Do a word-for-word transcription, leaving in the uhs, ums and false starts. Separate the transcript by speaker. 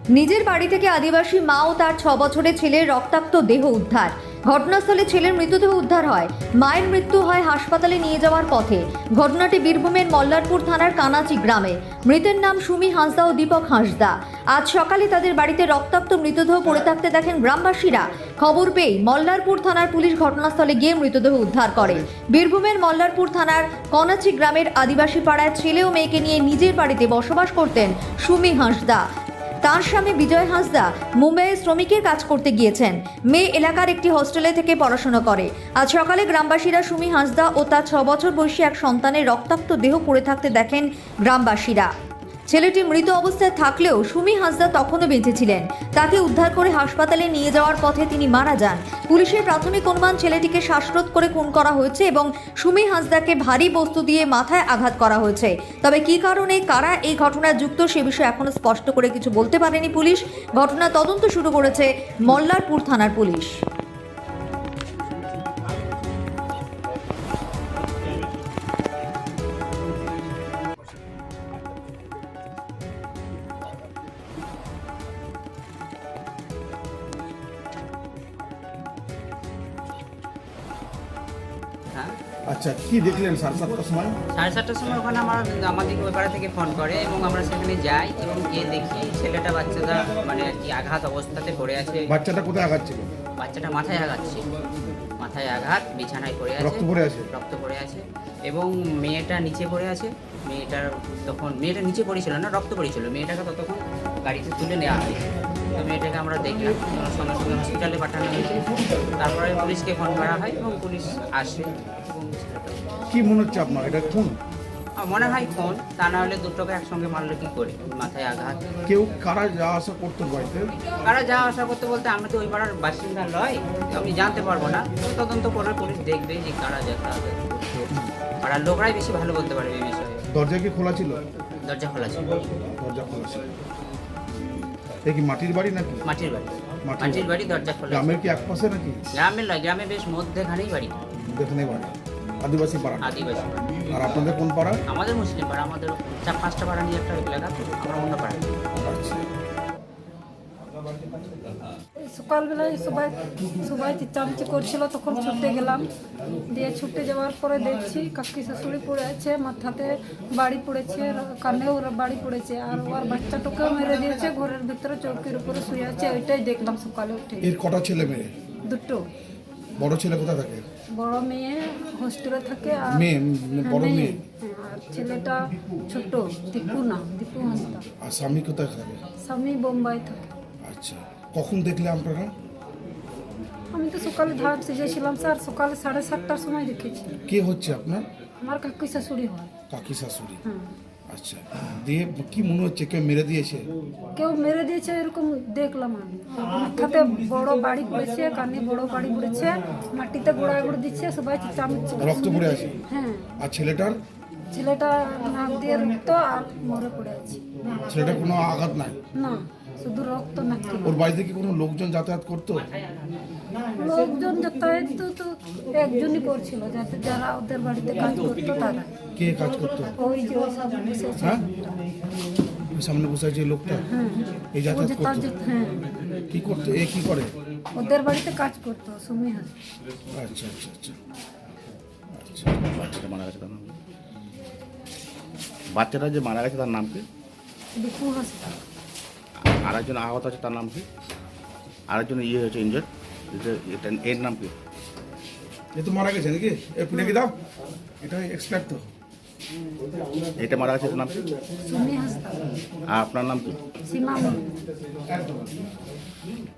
Speaker 1: নিজের বাড়ি থেকে আদিবাসী মা ও তার ছ বছরের ছেলের রক্তাক্ত দেহ উদ্ধার। ঘটনাস্থলে ছেলের মৃতদেহ উদ্ধার হয়। মায়ের মৃত্যু হয় হাসপাতালে নিয়ে যাওয়ার পথে। ঘটনাটি বীরভূমের মল্লারপুর থানার কানাচি গ্রামে। মৃতের নাম সুমি হাঁসদা ও দীপক হাঁসদা। আজ সকালে তাদের বাড়িতে রক্তাক্ত মৃতদেহ পড়ে থাকতে দেখেন গ্রামবাসীরা। খবর পেয়ে মল্লারপুর থানার পুলিশ ঘটনাস্থলে গিয়ে মৃতদেহ উদ্ধার করে। বীরভূমের মল্লারপুর থানার কানাচি গ্রামের আদিবাসী পাড়ায় ছেলে ও মেয়েকে নিয়ে নিজের বাড়িতে বসবাস করতেন সুমি হাঁসদা। তার স্বামী বিজয় হাঁসদা মুম্বাইয়ে শ্রমিকের কাজ করতে গিয়েছেন। মেয়ে এলাকার একটি হোস্টেলে থেকে পড়াশোনা করে। আজ সকালে গ্রামবাসীরা সুমি হাঁসদা ও তার ছ বছর বয়সী এক সন্তানের রক্তাক্ত দেহ পড়ে থাকতে দেখেন গ্রামবাসীরা। ছেলেটি মৃত অবস্থায় থাকলেও সুমি হাঁসদা তখনও বেঁচে ছিলেন। তাকে উদ্ধার করে হাসপাতালে নিয়ে যাওয়ার পথে তিনি মারা যান। পুলিশের প্রাথমিক অনুমান ছেলেটিকে শ্বাসরোধ করে খুন করা হয়েছে এবং সুমি হাঁসদাকে ভারী বস্তু দিয়ে মাথায় আঘাত করা হয়েছে। তবে কী কারণে কারা এই ঘটনায় যুক্ত সে বিষয়ে এখনো স্পষ্ট করে কিছু বলতে পারেনি পুলিশ। ঘটনার তদন্ত শুরু করেছে মল্লারপুর থানার পুলিশ।
Speaker 2: আচ্ছা, কি দেখলেন সাড়ে সাতটার সময়?
Speaker 3: সাড়ে সাতটার সময় ওখানে আমার আমাদের ওই পাড়া থেকে ফোন করে এবং আমরা সেখানে যাই এবং গিয়ে দেখি ছেলেটা বাচ্চাটা মানে আর কি আঘাত অবস্থাতে পড়ে আছে।
Speaker 2: বাচ্চাটা কোথায় আঘাত ছিল?
Speaker 3: বাচ্চাটা মাথায় আঘাত ছিল, মাথায় আঘাত, বিছানায় পড়ে আছে,
Speaker 2: রক্ত পড়ে আছে?
Speaker 3: রক্ত পড়ে আছে এবং মেয়েটা নিচে পড়ে আছে। মেয়েটার তখন মেয়েটা নিচে পড়েছিল না, রক্ত পড়েছিল। মেয়েটাকে ততক্ষণ গাড়িতে তুলে নেওয়া হয়েছে। তো মেয়েটাকে আমরা দেখলাম, সঙ্গে সঙ্গে হসপিটালে পাঠানো হয়েছে। তারপরে পুলিশকে ফোন করা হয় এবং পুলিশ আসে এবং
Speaker 2: কি মনে হচ্ছে আপনার, এটা খুন?
Speaker 3: মনে হয় ফোন, তা না হলে দুটোকে একসঙ্গে মারলো কি করে? মাথায় আঘাত।
Speaker 2: কেউ কারা যাওয়া আসা করতো বাড়িতে?
Speaker 3: কারা যাওয়া আসা করতে বলতে আমরা তো ওই পাড়ার বাসিন্দা নয়, আমি জানতে পারবো না। তদন্ত করে পুলিশ দেখবে যে কারা যাতায়াত করছে। পাড়ার লোকরাই বেশি ভালো বলতে পারবে এই বিষয়ে।
Speaker 2: দরজা কি খোলা ছিল?
Speaker 3: দরজা খোলা ছিল।
Speaker 2: দরজা খোলা ছিল। এ কি মাটির বাড়ি নাকি?
Speaker 3: মাটির বাড়ি।
Speaker 2: মাটির
Speaker 3: মাটির বাড়ি, দরজা খোলা।
Speaker 2: গ্রামের কি এক পাশে নাকি?
Speaker 3: গ্রামের নয়, গ্রামে বেশ মধ্যেখানেই বাড়ি।
Speaker 2: যেখানে বাড়ি আদিবাসী পাড়া।
Speaker 3: আদিবাসী।
Speaker 2: আর আপনাদের কোন পাড়া?
Speaker 3: আমাদের মুসলিম পাড়া। আমাদের চার পাঁচটা পাড়া নিয়ে একটা এলাকা, তো আমরা অন্য পাড়া।
Speaker 2: আচ্ছা,
Speaker 4: সকালবেলায় সবাই সবাই চিচামিচি করছিল, তখন ছুটে গেলাম। দিয়ে ছুটে যাওয়ার পরে দেখছি কাকি শাশুড়ি পড়ে আছে, মাথাতে বাড়ি পড়েছে, কানেও বাড়ি পড়েছে, আর ওর বাচ্চাটাকেও মেরে দিয়েছে। ঘরের ভিতরে চৌকির উপরে শুয়ে আছে। ওইটাই দেখলাম সকালে উঠে।
Speaker 2: এর কটা ছেলে মেয়ে?
Speaker 4: দুটো।
Speaker 2: বড় ছেলে কোথায় থাকে?
Speaker 4: বড় মেয়ে হোস্টেলে থাকে আর
Speaker 2: মেয়ে বড় মেয়ে?
Speaker 4: হ্যাঁ, আর ছেলেটা ছোট, দীপু না, দীপু হাঁসদা।
Speaker 2: আর স্বামী কোথায় থাকে?
Speaker 4: স্বামী বোম্বাই থাকে।
Speaker 2: আচ্ছা, কখন দেখলে আপনারা?
Speaker 4: আমি তো সকালে ধান সিজেছিলাম স্যার, সকালে সাড়ে সাতটার সময় দেখেছি।
Speaker 2: কে হচ্ছে আপনার?
Speaker 4: আমার কাকি শাশুড়ি হয়।
Speaker 2: কাকি শাশুড়ি?
Speaker 4: হুম।
Speaker 2: আচ্ছা, দিয়ে কি মনে হচ্ছে কেউ মেরে দিয়েছে?
Speaker 4: কেউ মেরে দিয়েছে এরকম দেখলাম আমি। মাথাতে বড় বাড়ি পড়েছে, কানে বড় বাড়ি পড়েছে, মাটিতে গোড়া গোড় দিচ্ছে, সবাই চিচামিচি।
Speaker 2: রক্ত পড়ে আছে?
Speaker 4: হ্যাঁ।
Speaker 2: আর ছেলেটার?
Speaker 4: ছেলেটা নাক দিয়ে রক্ত আর মরে পড়ে আছে।
Speaker 2: ছেলেটার কোনো আঘাত নাই?
Speaker 4: না, শুধু রক্ত নাকি।
Speaker 2: ওর বাড়িতে কি কোনো লোকজন যাতায়াত করতো?
Speaker 4: লোকজন যাতায়াত তো তো একজনই করছিল, যাতে যারা ওদের বাড়িতে কাজ করতো তারা।
Speaker 2: কে কাজ করতো?
Speaker 4: ওই যে ওই সামনে বসে আছে।
Speaker 2: হ্যাঁ, ওই সামনে বসে আছে এই লোকটা?
Speaker 4: হ্যাঁ।
Speaker 2: এই
Speaker 4: ও
Speaker 2: যাতায়াত
Speaker 4: যেটা
Speaker 2: করতো?
Speaker 4: যে- হ্যাঁ,
Speaker 2: কি করতো? এ কি করে?
Speaker 4: ওদের বাড়িতে কাজ করতো সুমি হাঁস।
Speaker 2: আচ্ছা আচ্ছা আচ্ছা আচ্ছা।
Speaker 5: বাচ্চাটা মারা গেছে তার নাম কি? বাচ্চাটা যে মারা গেছে তার নাম কি?
Speaker 4: দীপু হাঁসদা।
Speaker 5: আর একজন আহত আছে তার নাম কি? আরেকজন ইয়ে হয়েছে ইঞ্জয়ার্ড, এটা এর নাম কি?
Speaker 2: এ তো মারা গেছে নাকি? এ পুনে কি দাও, এটা এক্সপার্ট তো।
Speaker 5: এটা মারা গেছে এটার নাম কি?
Speaker 4: সুমি হাঁসদা।
Speaker 5: আর আপনার নাম কি?
Speaker 4: সীমা মন্ডল।